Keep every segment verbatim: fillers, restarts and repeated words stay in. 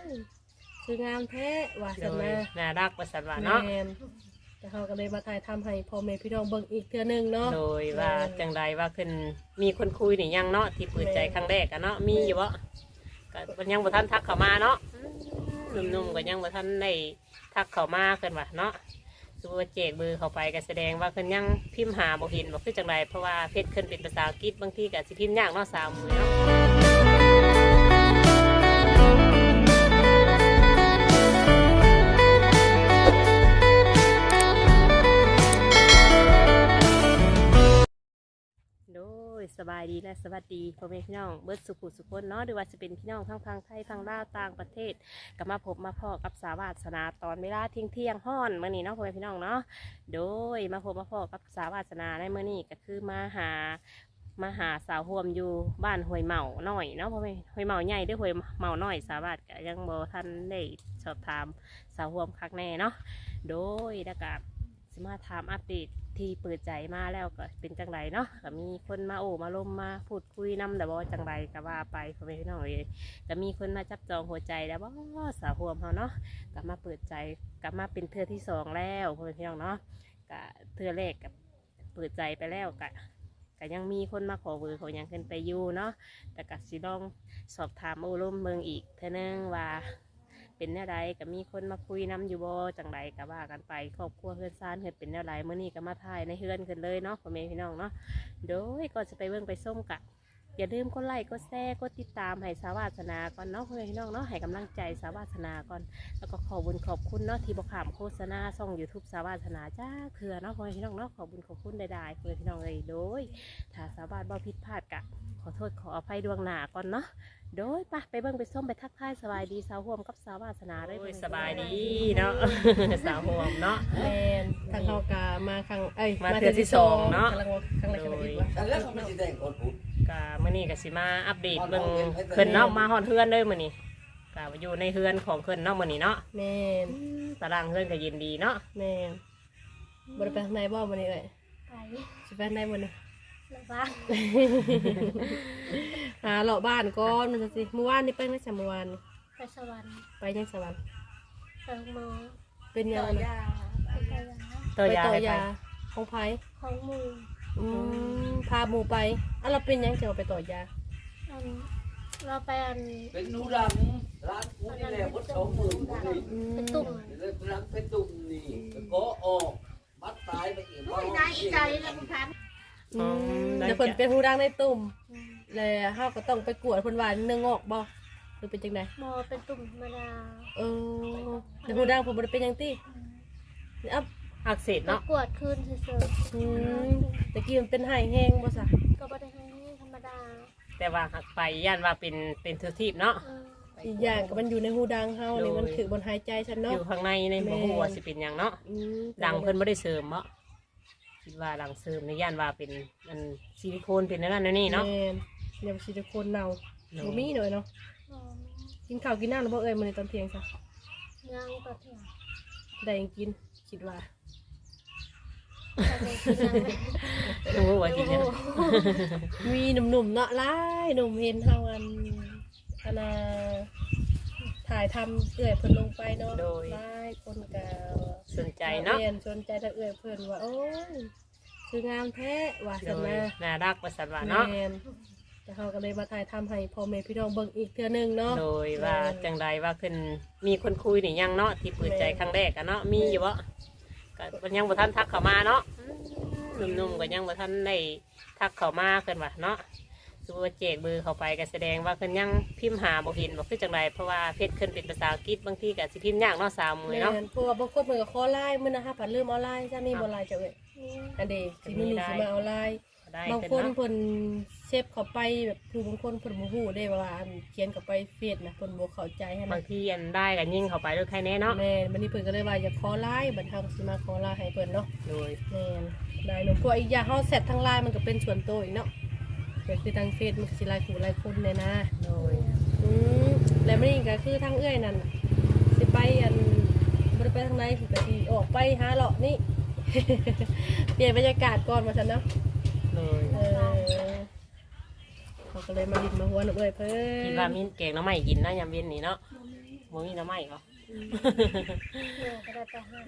คืองามแท้ว่าโดซั่นยนะน่ารักประสันว่าเนาะแม่นแต่เฮาก็เลยมาถ่ายทำให้พ่อแม่พี่น้องเบิ่งอีกเทื่อนึงเนาะโดยว่าจังใดว่าขึ้นมีคนคุยนี่ยังเนาะที่เปิดใจครั้งแรกอะเนาะมีอยู่บ่ก็มันยังบ่ทันทักเข้ามาเนาะหนุ่มๆก็ยังบ่ทันได้ทักเข้ามาเพิ่นว่าเนาะสมมุติว่าเจกเบอร์เข้าไปก็แสดงว่าเพิ่นยังพิมพ์หาบ่เห็นบ่คือจังใดเพราะว่าเพจเพิ่นเป็นภาษาอังกฤษบางทีก็สิพิมพ์ยากเนาะสาวมือเนาะ โดยสบายดีและสวัสดีพ่อแม่พี่น้องเบิร์ดสุขุสุขคนเนาะหรือว่าจะเป็นพี่น้องทั้งพังไทยพังลาวต่างประเทศก็มาพบมาพ่อกับสาวาสนาตอนเวลาเที่ยงเที่ยงห้อนเมื่อนี้เนาะพ่อแม่พี่น้องเนาะโดยมาพบมาพ่อกับสาวาสนาในเมื่อนี้ก็คือมาหามาหาสาวห่วมอยู่บ้านห้วยเหมาหน่อยเนาะพ่อแม่ห้วยเหมาใหญ่ด้วยห้วยเหมาหน่อยสาวาสก็ยังบ่ทันได้สอบถามสาวห่วมคักแน่เนาะโดยแล้วก็สมาถามอัปเดตที่เปิดใจมาแล้วก็เป็นจังไรเนาะก็มีคนมาโอ้มาลมมาพูดคุยนำแต่บ่จังไรก็ว่าไปพ่อแม่พี่น้องเลยก็มีคนมาจับจองหัวใจแล้วบ่สาวห่วมเขาเนาะก็มาเปิดใจก็มาเป็นเทือที่สองแล้วพ่อแม่พี่น้องเนาะก็เทือแรกกับเปิดใจไปแล้วก็ก็ยังมีคนมาขอเบอร์เขายังขึ้นไปอยู่เนาะแต่ก็สิลองสอบถามโอ้ลมเมืองอีกเท่านึงว่าเป็นแนวใดก็มีคนมาคุยนำอยู่บ่จังใดก็ว่ากันไปครอบครัวเฮือนซ่านเฮือนเป็นแนวใดเมื่อนี้ก็มาถ่ายในเฮือนกันเลยเนาะพ่อแม่พี่น้องเนาะโดยก็จะไปเบิ่งไปส้มกะอย่าลืมกดไลค์กดแชร์กดติดตามให้สาวาสนาก่อนเนาะพ่อแม่พี่น้องเนาะให้กำลังใจสาวาสนาก่อนแล้วก็ขอบุญขอบคุณเนาะที่บอกขามโฆษณาช่อง ยูทูบ สาวาสนาจ้าเถื่อเนาะพ่อแม่พี่น้องเนาะขอบุญขอบคุณใดๆพ่อแม่พี่น้องเลยโดยถ้าสาวาสบ่ผิดพลาดกะขอโทษขออภัยดวงหน้าก่อนเนาะโดยปะไปเบิ่งไปส้มไปทักทายสบายดีสาวห่วมกับสาวาสนาได้สบายดีเนาะ สาวห่วมเนาะแม่นทางเฮากะมาครั้งเอ้ยมาเทื่อที่สองเนาะกำลังครั้งแรกกันอีกว่าแล้วเขาไม่ได้แต่งคนพูดกะมื้อนี้ก็สิมาอัปเดตเบิ่งเพิ่นเนาะมาฮอดเฮือนเลยมื้อนี้กะอยู่ในเฮือนของเพิ่นเนาะมื้อนี้เนาะแม่นตารางเฮือนก็เย็นดีเนาะแม่นบ่ได้ไปข้างในบ่มื้อนี้เอ้ยไปสิไปข้างในมื้อนี้แล้วบ้างหาเลาะบ้านก่อนมันจะสิเมื่อวานนี่ไปไหมจ้ะเมื่อวานนี่ไปสวรรค์ไปยังสวรรค์ไปหมอเป็นยังต่อไงยาไปต่อยาตัวยาต่อให้ไปยาของไผของหมูอืมพาหมู่ไปอ่ะเราเป็นยังจะเอาไปต่อยาอันเราไปอันเป็นหนูดำร้านกูนี่แหละวัดสองหมื่นกูนี่อืมเป็นตุ่มร้านเป็นตุ่มนี่ก็ออกมัดตายไปอีกโอ้ยได้ใจแล้วคุณพันอืมเดี๋ยวเพิ่นเป็นหูดังในตุ่มแล้วเฮาก็ต้องไปกวดเพิ่นว่าเนื้องอกบ่หรือเป็นจังไดหมอเป็นตุ่มธรรมดาเออแต่หูดังเพิ่นบ่ได้เป็นหยังตินี่อ่ะอักเสบก็เนาะกวดคืนเฉยอืมตะกี้มันเป็นไห้แห้งบ่ซะๆก็ไม่ได้ให้ธรรมดาแต่ว่าหักไปย่านว่าเป็นเป็นเทอร์ทีบเนาะเอออีกอย่างก็มันอยู่ในหูดังเฮานี่มันถือบนหายใจฉันอเนาะยู่ข้างในในบ่ฮู้ว่าสิเป็นหยังเนาะอืมดังเพิ่นบ่ได้เสริมเนาะคิดว่าดังเสริมในย่านว่าเป็นมันซิลิโคนเป็นนั่นนั่นนี่เนาะแม่นเดี๋ยวซิลิโคนเน่าเนาะบ่มีเลยเนาะหมอกินข้าวกินน้ำแล้วบ่เอ่ยมื้อนี้ตอนเที่ยงซะย่างต่อเถียงได้หยังกินคิดว่าแต่ในที่นั้นไม่รู้ว่ากินหยังมีหนุ่มๆเนาะหลายหนุ่มเห็นเฮาอันอันน่ะถ่ายทำเอื้อยเพิ่นลงไปเนาะหลายคนก็สนใจเนาะรียสนใจถ้าเอื้อยเพิ่นว่าโอ้ยคืองามแท้ว่าโดซั่นยนะน่ารักประสันว่าเนาะแม่นแต่เฮาก็เลยมาถ่ายทำให้พ่อแม่พี่น้องเบิ่งอีกเทื่อนึงเนาะโดยว่าจังใดว่าขึ้นมีคนคุยนี่ยังเนาะที่เปิดใจครั้งแรกอะเนาะมีอยู่บ่ก็มันยังบ่ทันทักเข้ามาเนาะหนุ่มๆก็ยังบ่ทันได้ทักเข้ามาเพิ่นว่าเนาะสมมุติว่าเจกเบอร์เข้าไปก็แสดงว่าเพิ่นยังพิมพ์หาบ่เห็นบ่คือจังใดเพราะว่าเพจเพิ่นเป็นภาษาอังกฤษบางทีก็สิพิมพ์ยากเนาะสาวมือแม่เนาะนเพราะว่าบางคนเพิ่นก็ขอไลน์มื้อนะฮะผัดลืมเอาไลน์จ้ามีบ่ไลน์จ้ะเอ้ยนี่อันเดสิมื้อนี้สิมาเอาไลน์ได้บางเพิ่นคนเนาะเพิ่นเซฟเข้าไปแบบผู้บางคนเพิ่นบ่ฮู้ได้ว่าอันเขียนเข้าไปเฟซนะเพิ่นบ่เข้าใจให้บานะงทีอันได้ก็ยิ่งเข้าไปด้วยใครแน่เนาะแม่นบัดนี้เพิ่นก็เลยว่าอย่าขอไลน์บัดเฮาก็สิมาขอไลน์ให้เพิ่นเนาะโดยแม่นได้เนาะเพราะอีกอย่างเฮาเซตทางไลน์มันก็เป็นส่วนตัวอีกเนาะก็คือทางเฟซมันก็สิหลายคู่หลายคนเลยนะโดยอืมแล้วมันนี่ก็คือทางเอื้อยนั่นน่ะสิไปอันบ่ได้ไปทางไหนสิไปสิออกไปหาเลาะนี่ เปลี่ยนบรรยากาศก่อนว่าซั่นเนาะโดยเออเขาก็เลยมาดินมาหัวหนูเอ้ยเพิ่คิดนว่ามีแกงหน้ำใหม่กินนะยามเย็นนี่เนาะบ่มีบ่มีน้ำไหม้เหรอแม่ก็ได้ไปหา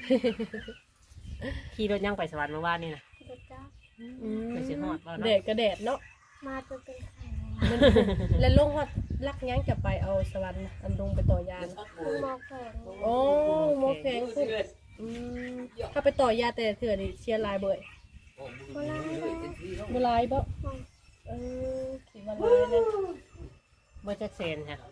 ขี่รถยังไปสวรรค์เมื่อวานนี่นะเด็กจ้าอืมไปสิฮอดบ่เนาะแดดก็แดดเนาะมาจนเป็นไข่มันแล้วลงฮอดลักยังจะไปเอาสวรรค์น่ะอันลงไปต่อยานะคือมองแข็งโอ้โมแข็งพุ่นอืมถ้าไปต่อยาแต่เถื่อนี่เชียร์ลายเบยบ่ลายบ่เออคิดว่าลายนั่นบ่จักเซนค่ะ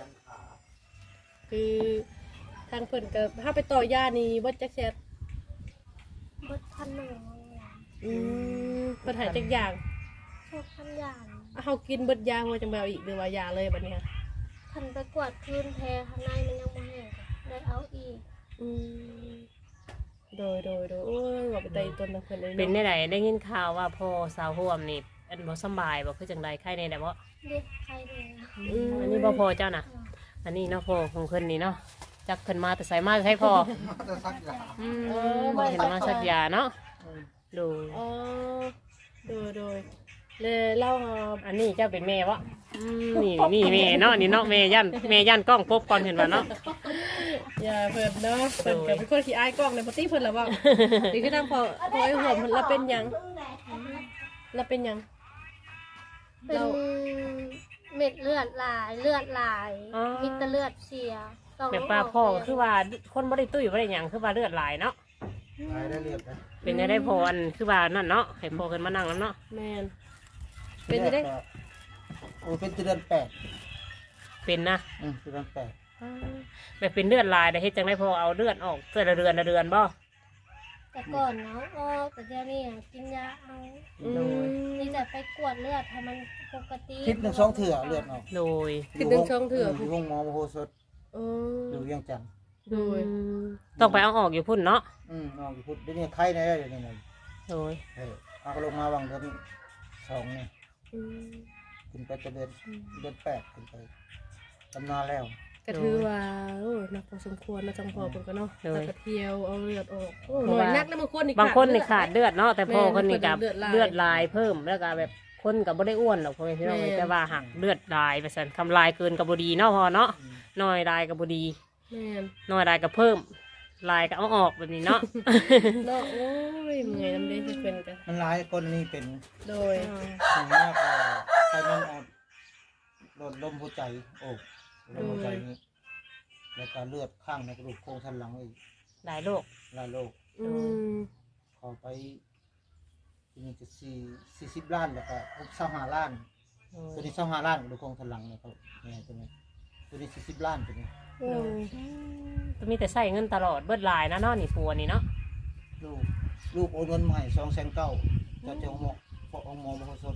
คือทางเพิ่นก็ถ้าไปต่อยานี่บ่จักแซ่บบดพันหนึ่งอืมเพิ่นใหายจักอย่างชอบพันอย่างเอาเฮากินเบิดยาหัวจังแบวอีกหรือว่ายาเลยบัดนี้ค่ะพันไปกวาดพื้นแพข้างในมันยังไม่แห้งได้เอาอีกอืมโดยโดยโดยโอ้ยว่าไปไต่ต้นทางเพิ่นเลยเป็นเนาะได้ไดได้ยินข่าวว่าพ่อสาวห่วมนี่อันบ่สำบายบ่คือจังไดไข้ในได้บ่เด็กใครเลยนะอืมอันนี้บ่พอเจ้าน่ะ อันนี้เนาะพ่อของเพิ่นนี่เนาะจักเพิ่นมาแต่ไสมาให้พ่อจะซักยาอืมเห็นมาสักยาเนาะดูอ๋อโดยโดยเลยเล่าเอาอันนี้เจ้าเป็นแม่วะอืมนี่นี่แม่เนาะนี่เนาะแม่ยันแม่ยันกล้องปบก่อนเห็นป่ะเนาะอย่าเพิ่นเนาะเพิ่นก็เป็นคนขี้อายกล้องในปกติเพิ่นละว่านี่คือทางพอพอไอ้หัวมันละเป็นหยังละเป็นหยังเป็นเม็ดเลือดหลายเลือดหลายมีแต่เลือดเสียต้องแบบว่าพ่อก็คือว่าคนบ่ได้ตุ้ยบ่ได้หยังคือว่าเลือดไหลเนาะตายได้เรียบนะเป็นได้ได้พออันคือว่านั่นเนาะให้พ่อขึ้นมานั่งแล้วเนาะแม่นเป็นจังได๋โอ้เป็นเดือนแปดเป็นนะอืมเดือนแปดแบบเป็นเลือดไหลได้เฮ็ดจังได๋พอเอาเลือดออกเพื่อละเดือนละเดือนบ่แต่ก่อนเนาะอ้อแต่เดี๋ยวนี้กินยาเอาอืมนี่จะไปกวดเลือดให้มันปกติคิดหนึ่งสองเถื่อเลือดออกโดยคิดถึงช่องเถื่ออยู่ห้องหมอมโหสถเอออยู่เวียงจันทร์โดยอืมต้องไปเอาออกอยู่พุ่นเนาะอืมออกอยู่พุทธเดี๋ยวนี้ไข้ได้เดี๋ยวนี้นะโดยเออเอาลงมาวังเดือนสองนี่อืมขึ้นไปจะเดือนเดือนแปดขึ้นไปตำนานแล้วก็ถือว่าโอ้นักพอสมควรนะจังพอเพิ่นก็เนาะแล้วก็เที่ยวเอาเลือดออกโอ้หน่อยนักนะบางคนนี่บางคนนี่ขาดเลือดเนาะแต่พ่อคนนี้กับเลือดลายเลือดลายเพิ่มแล้วก็แบบคนกับบ่ได้อ้วนหรอกพ่อแม่พี่น้องแม่แต่ว่าหักเลือดลายไปสั่นคำลายเกินกับบ่ดีเนาะพ่อเนาะน้อยลายกับบ่ดีแม่นน้อยลายกับเพิ่มลายก็เอาออกแบบนี้เนาะเนาะโอ้ยเมื่อยน้ำเด้ที่เพิ่นกันมันหลายคนนี่เป็นโดยส่วนมากก็ไข้มันออกโดนลมหัวใจโอ้ลมหัวใจนี่แล้วก็เลือดข้างในกระดูกโครงสันหลังอีกหลายโรคหลายโรคอืมขอไปทีนี้จะสี่สี่สิบล้านแล้วก็หกสิบห้าล้าน ตัวนี้สองห้าล้านดูโครงสันหลังเนี่ยเขาเนี่ยตัวนี้ตัวนี้สี่สิบล้านตัวนี้โอ้ยก็มีแต่ใส่เงินตลอดเบิดลายนะเนาะนี่ปัวนี่เนาะลูกลูกโอนเงินมาให้สองแสนเก้าจะเจ้าหมอพอเอาหมอมาสด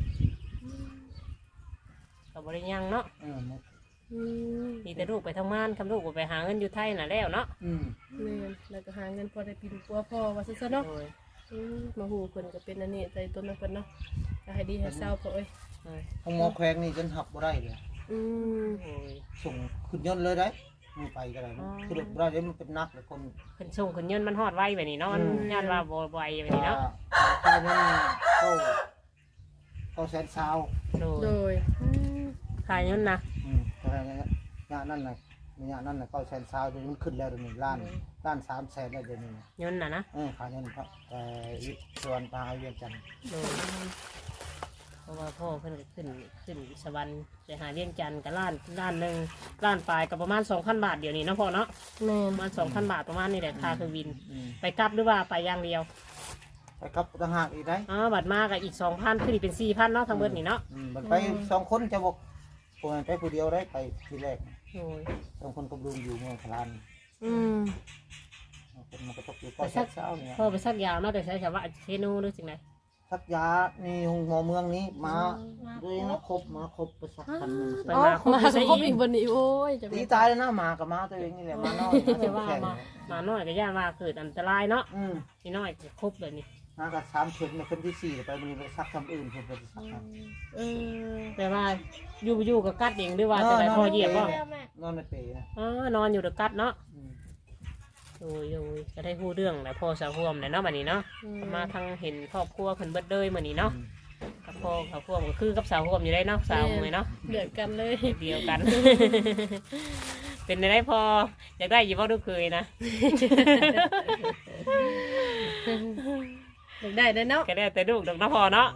ก็บ่ได้ยังเนาะอืมอืมมีแต่ลูกไปทำงานคำลูกก็ไปหาเงินอยู่ไทยน่ะแล้วเนาะอืมแม่นแล้วก็หาเงินพอได้ปินปัวพ่อว่าซั่นซะเนาะโดยอืมมาฮู้เพิ่นก็เป็นอันนี้ใจต้นนะเพิ่นเนาะก็ให้ดีให้เศร้าพ่อเอ้ยโดยห้องหมอแขวงนี่จนหับบ่ได้เลยอืมโอ้ยส่งขึ้นยนต์เลยได้มือไปก็ได้อ๋อคือบ่ได้เดี๋ยวมันเป็นนักเลยคนขึ้นส่งขึ้นเงินมันฮอดไวแบบนี้เนาะมันอืมย่านว่าบ่ไหวแบบนี้เนาะค่าเงินเข้าเข้าแสนซาวโดโดยยขายเงินนะอืมเท่าไหร่นะงานนั่นน่ะงานนั่นน่ะเข้าแสนซาวเดี๋ยวนี้มันขึ้นแล้วเดี๋ยวนี้ล้านล้านสามแสนแล้วเดี๋ยวนี้เงินน่ะนะเออขายเงินครับแต่ส่วนปลาเวียงจันทร์โดยเพราะว่าพ่อเพิ่นก็ขึ้นขึ้นสวรรค์ไปหาเลี้ยงจันทร์กับล้านล้านหนึ่งล้านปลายกับประมาณสองพันบาทเดี๋ยวนี้เนาะพ่อเนาะแม่นประมาณสองพันบาทประมาณนี้แหละค่าเครื่องบินอืมไปกลับหรือว่าไปอย่างเดียวไปครับต่างหากอีกได้อ๋อบัตรมากับอีกสองพันคืออีกเป็นสี่พันเนาะทั้งเบิดนี่เนาะอืมมันไปสองคนจะบอกผมไปผู้เดียวได้ไปทีแรกโอ้ยสองคนกับลุงอยู่เมืองพลานอืมคนมันก็ตกอยู่ก็สักเช้าเนี่ยพ่อไปซักยาวเนาะแต่ใช้ชาวบ้านเชนูหรือสิ่งไหนสักยานี่หงหมอเมืองนี้มาด้วยนะครบมาครบไปสักพันหนึ่งไปอ๋อมาครบมาอยู่ใส่ครบอีอีกกวันนี้โอ้ยจะตีมีตายแล้วนะหมากับหมาตัวเองนี่แหละมาน้อยเขาจะว่าแข่งมามาน้อยก็ย่านว่าเกิดอันตรายเนาะอืมนี่น้อยก็ครบเลยนี่มากับสามเข็มในคนที่สี่ไปมันไปซักคำอื่นเพื่อไปซักเออแต่ว่าอยู่อยู่กับกัดเองหรือว่าจะได้พ่อเหยียบบ่แม่แม่นอนในเปรย์นะอ๋อนอนอยู่กับกัดเนาะอืมโอ้ยโอ้ยจะได้พูดเรื่องนะพ่อสาวพ่วมเนี่ยเนาะบัดนี้เนาะมาทางเห็นครอบครัวเพิ่นเบิดเลยมื้อนี้เนาะกับพ่อสาวพ่วมก็คือกับสาวพ่วมอยู่ได้เนาะสาวมื้อเนาะเดือดกันเลยเดียวกันเป็นได้พออยากได้อยี่บ่ลูกเคยนะอยากได้ได้อเนาะก็ได้แต่ลูกดอกน้ำพอเนาะ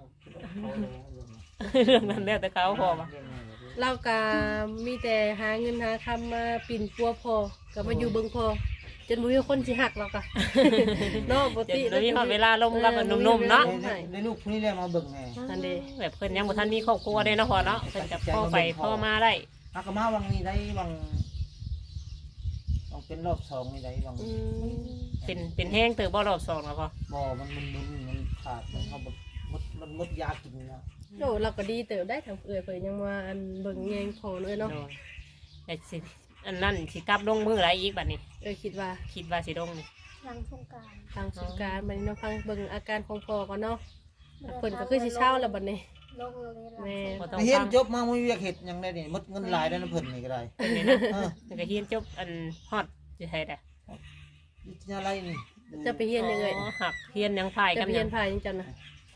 เรื่องนั้นแล้วแต่เขาพอมาเราก็มีแต่หาเงินหาคำมาปิ่นปัวพอก็มาอยู่เบิ่งพอจนบ่มีคนสิหักเราก็เนาะปกจะติมีความเวลาลมกับหนุ่มๆเนาะได้ลูกคนนี้ได้มาเบิ่งไงนั่นเด้แบบเพิ่นยังบ่ทันมีครอบครัวได้เนาะพอเนาะเพิ่นจะพ่อไปพ่อมาได้อากมาวังนี้ได้วังวังเป็นรอบสองนี่ได้วังอืมเป็นเป็นแห้งเติบบ่รอบสองแล้วพอบ่มันมันมันมันขาดมันเขาแบบมันมันมดยากินนะโอ้เราก็ดีเติบได้ทางเอื้อยเพิ่นยังว่าอันเบิ่งแยงพอเลยเนาะโดยแต่สิอันนั้นสิกลับลงมืออะไรอีกบัดนี้เออคิดว่าคิดว่าสิลงนี่หลังสงกรานต์ทางสงกรารบัดนี้เนาะฟังเบิ่งอาการของพ่อก่อนเนาะเพิ่นก็คือสิเช้าแล้วบัดนี้ลงเลยหลังแม่บ่ต้องเฮียฟันงจบมาไม่เวียกเห็ดยังได้นี่มดเงินหลายได้นะเพิ่นนี่ก็ได้เพิ่นนี่นะเออมันก็เฮียนจบอันฮอดสิให้ได้วิทยาลัยนี่จะไปเฮียนยังไงอ๋อหักเฮียนยังพายจะกันไปยัเฮียงนพายยังจังนะ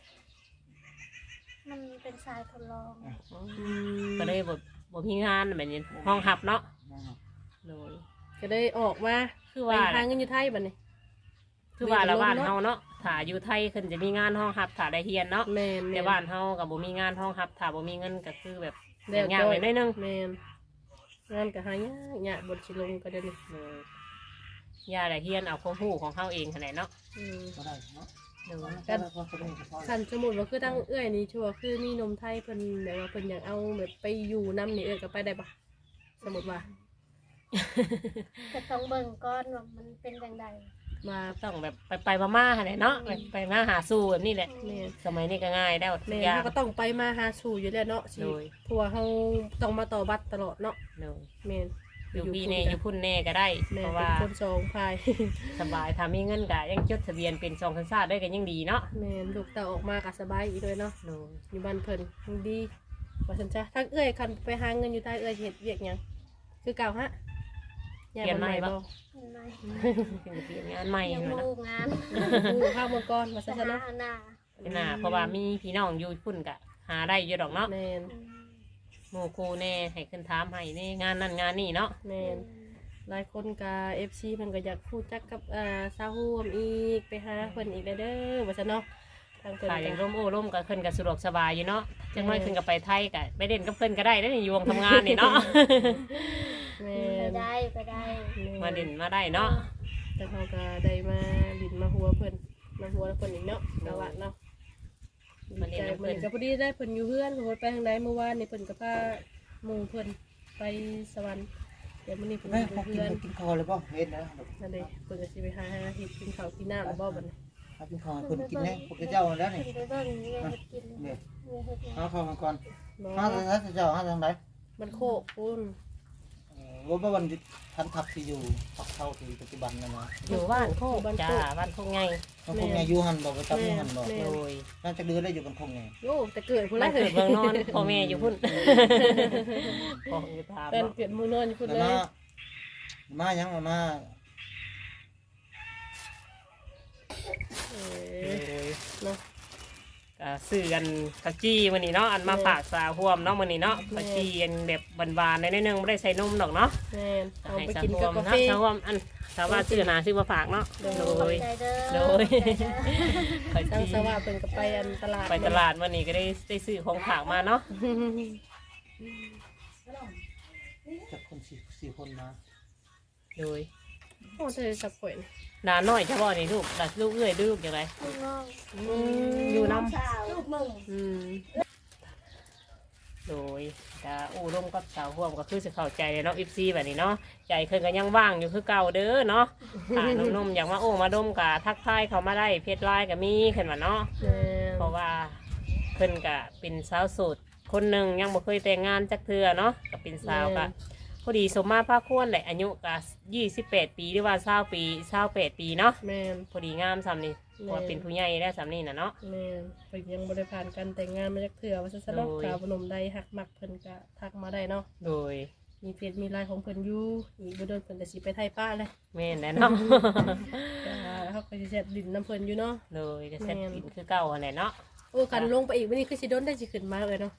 มันเป็นทรายทดลองอืมก็เลยบ่บ่มีงานแบบนี้ห้องหับเนาะโดยก็ได้ออกมาคือไปว่าหาเงินอยู่ไทยบัดนี้คือว่าละบ้านเฮาเนาะถ้าอยู่ไทยเพิ่นจะมีงานห้องหับถ้าได้เฮียนเนาะแม่นแต่บ้านเฮาก็บ่มีงานห้องหับถ้าบ่มีเงินก็คือแบบแล้วยากจ้ๆอไปหน่อยนึงแม่นงานก็หายากยากบทสิลงก็ได้นี่เออย่าได้เฮียนเอาความรู้ของเฮาเองหั่นแหละเนาะอืมก็ได้เนาะโดยกันก็ได้ก็พอคันสมมุติว่าคือตั้งเอื้อยนี่ชัวร์คือมีนมไทยเพิ่นแบบว่าเพิ่นอยากเอาแบบไปอยู่นํนี่เอื้อยก็ไปได้ปะสมมุติว่าจะต้องเบิ่งก้อนว่ามันเป็นอย่างไรมาต้องแบบไปไปๆมาๆหั่นแหละเนาะไปไปมาหาสู่แบบนี้แหละแม่นสมัยนี้ก็ง่ายแล้วทุแม่กนอย่างเฮาก็ต้องไปมาหาสู่อยู่แล้วเนาะสิโดยเพราะว่าเฮาต้องมาต่อบัตรตลอดเนาะโดยแม่นอยู่พี่แน่อยู่พุ่นแน่ก็ได้แม่เพนราะเป็ว่านคนสองพายสบายถ้ามีเงินก็ยังจดทะเบียนเป็นสองสัญชาติได้ก็ยังดีเนาะแม่นลูกเต่าออกมาก็สบายอีกเลยเนาะโดยอยู่บ้านเพิ่นยังดีว่าซั่นจ้ะทั้งเอื้อยคันไปหาเงินอยู่ใต้เอื้อยเฮ็ดเวียกหยังคือเก่าฮะย้ายบ้านใหม่บ่เห็นไหมเป็นเปลี่ยนงานใหม่ยังเลยลูเนาะกงานผู้ข้าวเมืองก่อนว่าจะซั่นหาเนาะหน้าเป็นน่ะเพราะว่ามีพี่น้องอยู่พุ่นก็หาได้อยู่ดอกเนาะแม่นอืมหมู่ครูแน่ให้ขึ้นถามให้แน่งานนั่นงานนี่เนาะแม่นหลายคนก็ เอฟ ซี เพิ่นก็อยากพูดจักกับอ่าซาฮูมอีกไปหาเพิ่นอีกเด้อว่าซั่นเนาะทางเพิ่นถ้าอย่างก็ร่มโอ้ร่มก็ขึ้นก็สะดวกสบายอยู่เนาะจังน้อยขึ้นก็ไปไทยก็ไปเด่นกับเพิ่นก็ได้ได้อนี่อยู่วงทำงานนี่เนาะแม่ไปนได้ไปได้มาเด่นมาได้เนาะแต่เขาก็ได้มาดินมาหัวเพิ่นมาหัวเพิ่นอีกเนาะสวัสดีเนาะมาเด่นใจกับเหมืเพิ่อน นกับพอดีได้เพิ่นอยู่เพื่อนเพิ่นไปทางใดเมื่อวานนี่เพิ่นก็พาหมู่เพิ่นไปสวรรค์เดี๋ยวมื้อนี้เพิ่นแม่อยู่พอกินเพื่อนกินข้าวเลยป่ะเฮ็ดนะนั่นเด้เพิ่นก็สิไปหาเฮ็ดกินข้าวกินน้ำแล้วบ่บัดนี้เอากินข้าวเพิ่นกินแน่พวกเจ้าแล้วนี่ขึ้นไปเบิ่งเมียเฮ็ดกินนี่เมียเฮ็ดหยังเอาข้าวมาก่อนบ่ห้าทางนั้นเจ้าห้าทางไหนมันโคกปุ้นว่าวันทันทับที่อยู่ปักเท่าที่ปัจจุบันนะนะอยู่บ้านโคกจ้าบ้านโคกไงมันคงไงอยู่หันบอกไปจับอยู่หันบอกโดยน่าจะเดือได้อยู่กันคงไงโอ้แต่เกิดพุ่นบ้าละนเกิดเมืองนอนพ่อแม่อยู่พุ่นพ่ออยู่ถามเป็นเนาะเกิดหมู่นอนอยู่พุ่นแล้วเลยมามายังมามาเอโดอย เนาะก็ซื้อกันข้าวจี้มื้อนี้เนาะอันมาฝากสาวห่วมเนาะมื้อนี้เนาะข้าวจี้อันแบบบานๆในนิดนึงไม่ได้ใส่นมดอกเนาะแม่นเอาให้ไปสาวกินห่วกับมกาเนาะแฟสาวห่วมอันสาวว่าซื้อหนาซื้อมาฝากเนาะโดโดยใจเด้อโดยใจเด้อข้าวทางจี้สวัสดิ์เพิ่นก็ไปอันตลาดไปตลาดวันนี้ก็ได้ได้ซื้อของฝากมาเนาะจับคนสี่สี่คนมาโดยโอ้เธอสับป่วยหลานน้อยเฉพาะนี่ลูกหลานลูกเอ้ยลูกอย่างไรลูกน้องอยู่น้สาวลูกมึงำอืมโดยจะอู้ร่วมกับสาวห่วมก็คือจะเข้าใจเลยเนาะอิฟซีแบบนี้เนาะใจเพิ่นก็ยังว่างอยู่คือเก่าเด้อเนาะถ้าหนุ่มๆอยากมาโอ้มาดมกะทักทายเขามาได้เพจไลน์ก็มีขึ้นมาเนาะแม่เพราะว่าเพิ่นก็เป็นสาวโสดคนหนึ่งยังบ่เคยแต่งงานจักเทื่อเนาะก็เป็นสาวก็พอดีสมมาภาคควรแหละอายุก็ยี่สิบแปดปีหรือว่าเศร้าปีเศร้าแปดปีเนาะแม่นพอดีงามซ้ำนี่เพราะว่าเป็นผู้ใหญ่ได้ซ้ำนี่นะเนาะแม่นเพิ่นยังบ่ได้ผ่านการแต่งงานมาจักเทื่อว่าซั่นซะเนาะโดยกาวพนมใดหักมักเพิ่นก็ทักมาได้เนาะโดยมีเฟซมีไลน์ของเพิ่นอยู่อีกบ่โดนเพิ่นก็สิไปไทยป้าเลยแม่นแหละเนาะก็เฮาก็สิแซ่บดินน้ำเพิ่นอยู่เนาะโดยก็เซ็ตกินคือเก่าหั่นแหละเนาะโอ้กันลงไปอีกวันนี้คือสิโดนได้สิขึ้นมาเลยเนาะ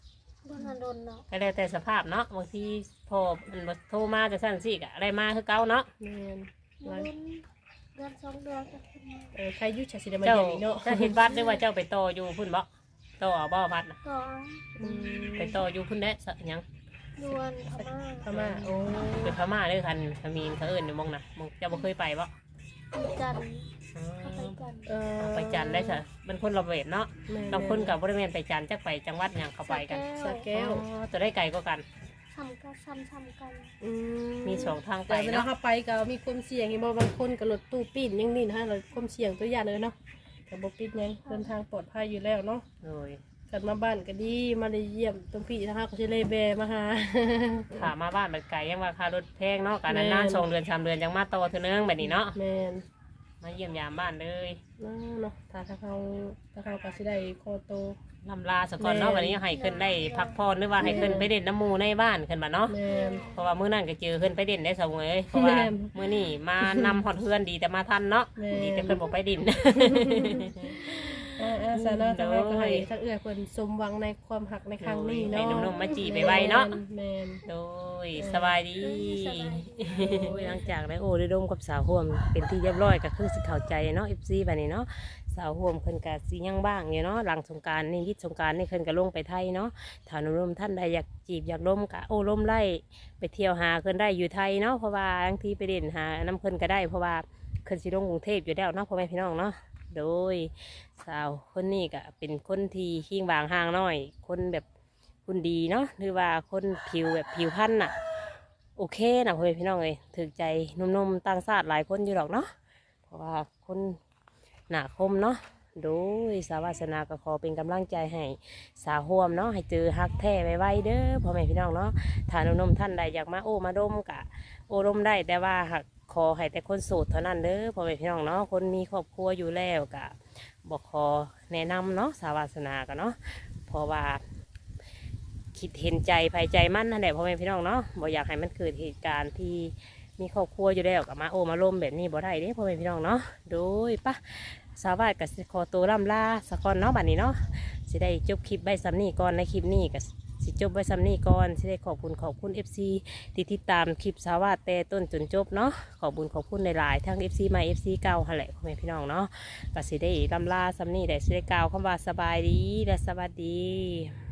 โดนโดนเนาะก็แล้วแต่สภาพเนาะบางทีพอมันบ่โทรมาจะสั่นสิกะอะไรมาคือเก่าเนาะแม่นโดนเดือนสองเดือนก็ขึ้นมาเออใครอยุ่ชาสิได้มาเจ้าเยี่ยมอีกเนาะจะเห็นวัดหรือว่าเจ้าไปต่ออยู่พุ่นบ่ต่อเอาบ่วัดน่ะก็อืมไปต่ออยู่พุ่นแน่สะหยังดวนพม่าพม่าโอ้เป็นพม่าเด้อคันขมีนเขาเอิ้นอยู่หมองน่ะหมองเจ้าบ่เคยไปบ่ไปจันทร์อ๋เข้าไปอจันทร์เออไปจันทร์ได้ซะมันคนละเวทเนาะแม่นบางคนกับบริเวณไปจันทร์จักไปจังหวัดหยังเขาไปกันสระแก้วอ๋อตัวได้ไกลกว่ากันซ้ำกันซ้ำซ้ำกันอืมีสองทางไปแต่เวลาเนาะเขาไปก็มีความเสี่ยงอีบ่บางคนก็รถตู้ปีนยังนี่นะเราความเสี่ยงตัวอย่างเลยเนาะแต่บ่ปิดหยังเดินทางปลอดภัยอยู่แล้วเนาะโดยกันมาบ้านก็ดีมาได้เยี่ยมตรงพี่นะคะก็สิเลยแบมาหาขามาบ้านมันไกลยังว่าค่ารถแพงเนาะกันแม่นนานๆสองเดือนสามเดือนยังมาต่อเท่านึงแบบนี้เนาะแม่นมาเยี่ยมยามบ้านเลยเนาะเนาะถ้าถ้าเขาถ้าเขาก็สิได้โคโตลำลาสะก่อนเนาะแม่นวันนี้ให้ขึ้นได้พักผ่อนหรือว่าให้ขึ้นไปเด่นน้ำหมูในบ้านขึ้นมาเนาะแม่นเพราะว่ามื้อนั้นก็เจอขึ้นไปเด่นได้สองเลยเพราะว่าแม่นมื้อนี้มานำฮอดเฮือนดีแต่มาทันเนาะแม่นดีแต่เพิ่นบอกไปดินอ่าอ่าสาระทางเราก็ให้ทั้งเอื้อเพิ่นสมหวังในความหักในครั้งนี้เนาะให้หนุ่มๆมาจีบไวๆเนาะแม่นโดยสบายดีโอ้ยหลังจากได้โอ้ได้ร่มกับสาวห่วมเป็นที่เรียบร้อยก็คือสิเข้าใจเนาะ เอฟ ซี แบบนี้เนาะสาวห่วมเพิ่นก็สิยังบ้างอยู่เนาะหลังสงกรานต์นี่ยิดสงกรานต์นี่เพิ่นก็ลงไปไทยเนาะถ้าหนุ่มๆท่านใดอยากจีบอยากร่มก็โอ้ร่มไล่ไปเที่ยวหาเพิ่นได้อยู่ไทยเนาะเพราะว่าบางทีไปเด่นหาน้ำเพิ่นก็ได้เพราะว่าเพิ่นสิลงกรุงเทพอยู่แล้วเนาะพ่อแม่พี่น้องเนาะโดยสาวคนนี้ก็เป็นคนที่ขี้บางห่างน้อยคนแบบคุณดีเนาะหรือว่าคนผิวแบบผิวพรรณน่ะ โอเคนะพ่อแม่พี่น้องเลยถือใจหนุ่มๆต่างชาติหลายคนอยู่หรอกเนาะเพราะว่าคนหนาคมเนาะโดยสาวาสนาก็ขอเป็นกำลังใจให้สาวห่วมเนาะให้เจอฮักแท้ไวๆเด้อพ่อแม่พี่น้องเนาะถ้าหนุ่มๆท่านใดอยากมาโอ้มาดมกะโอ้ดมได้แต่ว่าหักขอให้แต่คนโสดเท่านั้นเด้อพ่อแม่พี่น้องเนาะคนมีครอบครัวอยู่แล้วกะบอกขอแนะนำเนาะสาวาสนากันเนาะเพราะว่า คิดเห็นใจภายใจมั่นนั่นแหละพ่อแม่พี่น้องเนาะบ่อยากให้มันเกิดเหตุการณ์ที่มีครอบครัวอยู่แล้วกับมาโอมาล้มแบบนี้บ่ได้เด้พ่อแม่พี่น้องเนาะโดยปะสาวบ้านกับสิขอตัวล่ำลาสะก่อนเนาะบัดนี้เนาะสิได้จบคลิปใบซ้ำนี่ก่อนในคลิปนี้กับสิจบใบซ้ำนี่ก่อนสิได้ขอบคุณขอบคุณ เอฟ ซี ที่ติดตามคลิปสาวบ้านแต่ต้นจนจบเนาะขอบคุณขอบคุณหลายๆทั้ง เอฟ ซี ใหม่ เอฟ ซี เก่าหั่นแหละพ่อแม่พี่น้องเนาะก็สิได้ล่ำลาซ้ำนี่ได้สิได้กล่าวคำว่าสบายดีและสวัสดี